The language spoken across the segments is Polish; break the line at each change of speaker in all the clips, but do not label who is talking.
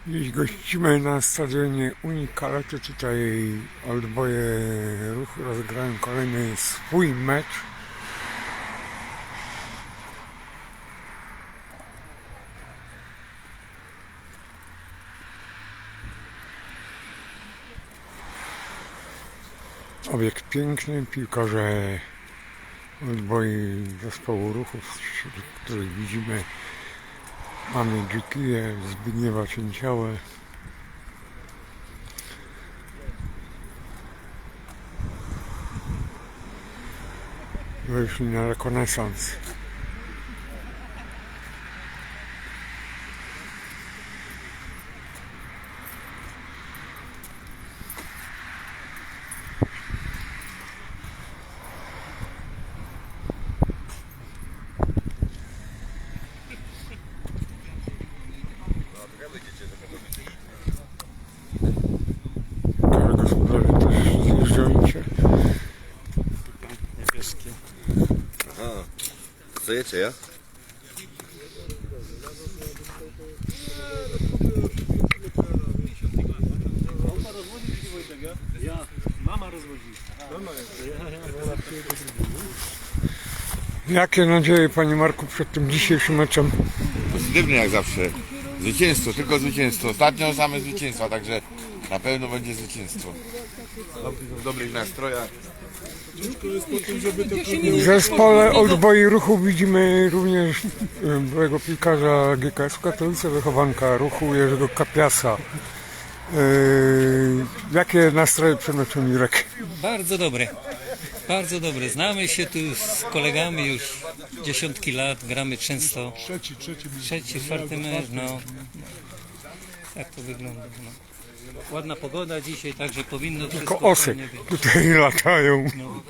Dziś gościmy na stadionie Unii Kalety. Tutaj Oldboye Ruch rozegrają kolejny swój mecz. Obiekt piękny, piłkarze Oldboye zespołu Ruchów, wśród których widzimy mamy Dzikiję, Zbigniewa Cięciałę. Wyszli na rekonesans. Gospodarze też zjeżdżają się.
Niebieskie.
Aha. Chcecie, ja?
Ja, mama rozwodzi.
Jakie nadzieje, panie Marku, przed tym dzisiejszym meczem?
Pozytywnie jak zawsze. Zwycięstwo, tylko zwycięstwo. Ostatnio same zwycięstwa, także na pewno będzie zwycięstwo. W dobrych nastrojach.
W zespole Oldboye Ruchu widzimy również byłego piłkarza GKS Katowice, wychowanka Ruchu Jerzego Kapiasa. Jakie nastroje przed meczem, Jurek?
Bardzo dobre. Bardzo dobre. Znamy się tu z kolegami już dziesiątki lat, gramy często. Trzeci, czwarty mecz, no. Tak to wygląda. No. Ładna pogoda dzisiaj, także powinno
Tylko
wszystko
osy
fajnie być.
tutaj latają.
No.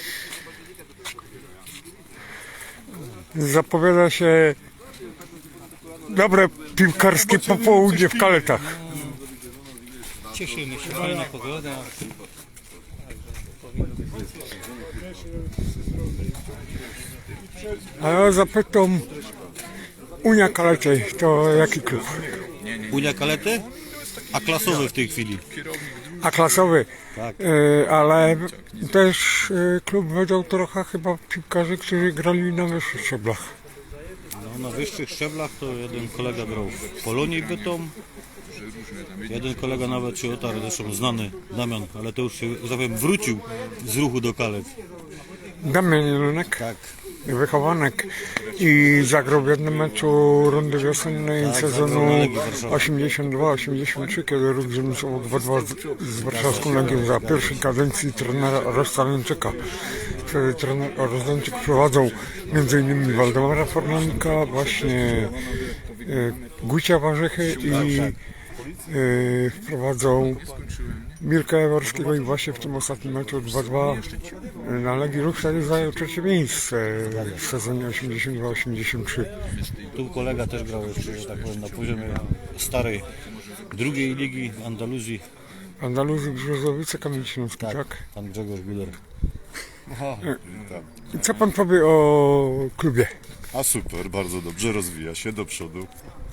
Zapowiada się dobre piłkarskie popołudnie w Kaletach.
Cieszymy się, fajna pogoda.
A ja zapytam, Unia Kalety to jaki klub?
Unia Kalety? A klasowy w tej chwili.
A klasowy,
Tak.
ale też klub wydał trochę chyba piłkarzy, którzy grali na wyższych szczeblach.
No, na wyższych szczeblach to jeden kolega grał w Polonii Bytom. Jeden kolega nawet się otarł, zresztą znany Damian, ale to już się, że tak powiem, wrócił z Ruchu do Kalet.
Damian Jelonek,
Tak.
wychowanek i zagrał w jednym meczu rundy wiosennej
Tak,
sezonu
zagrał na Legii Warszawa.
82-83, kiedy Ruch zremisował 2-2 z warszawską Legią za pierwszej kadencji trenera Rostalenczyka. Wtedy trener Rostalenczyk prowadzał m.in. Waldemara Fornalnika, właśnie Gucia Warzychy i wprowadzał Mirka Jaworskiego i właśnie w tym ostatnim meczu 2-2 na Legii Ruch wtedy zajął trzecie miejsce w sezonie 82-83.
Tu kolega też grał jeszcze, że tak powiem, na poziomie starej drugiej ligi w Andaluzji.
Andaluzji, Brzozowice, Kamień Śląski, tak?
Pan Grzegorz Guder.
I co pan powie o klubie?
A super, bardzo dobrze, rozwija się do przodu.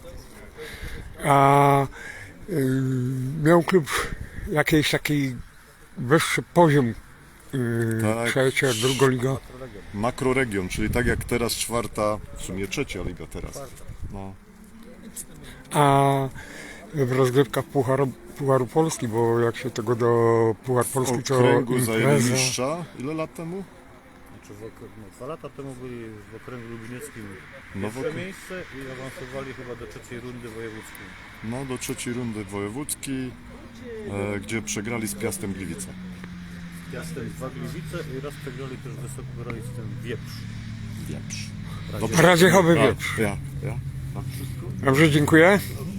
A miał klub jakiś taki wyższy poziom,
Tak.
trzecia, druga liga?
Makroregion, czyli tak jak teraz czwarta, w sumie trzecia liga teraz. No.
A w rozgrywkach Pucharu Polski, bo jak się tego do Puchar Polski
W
to
okręgu zajęli
impreza.
mistrza, ile lat temu?
Znaczy no, 2 lata temu byli w okręgu lublinieckim
No,
pierwsze miejsce i awansowali chyba do trzeciej rundy wojewódzkiej.
No do trzeciej rundy wojewódzkiej, gdzie przegrali z Piastem Gliwice.
Piastem 2 Gliwice i raz przegrali też wysokogoralistem Wieprz.
Wieprz.
Radziechowy Wieprz.
Ja.
Dobrze, dziękuję.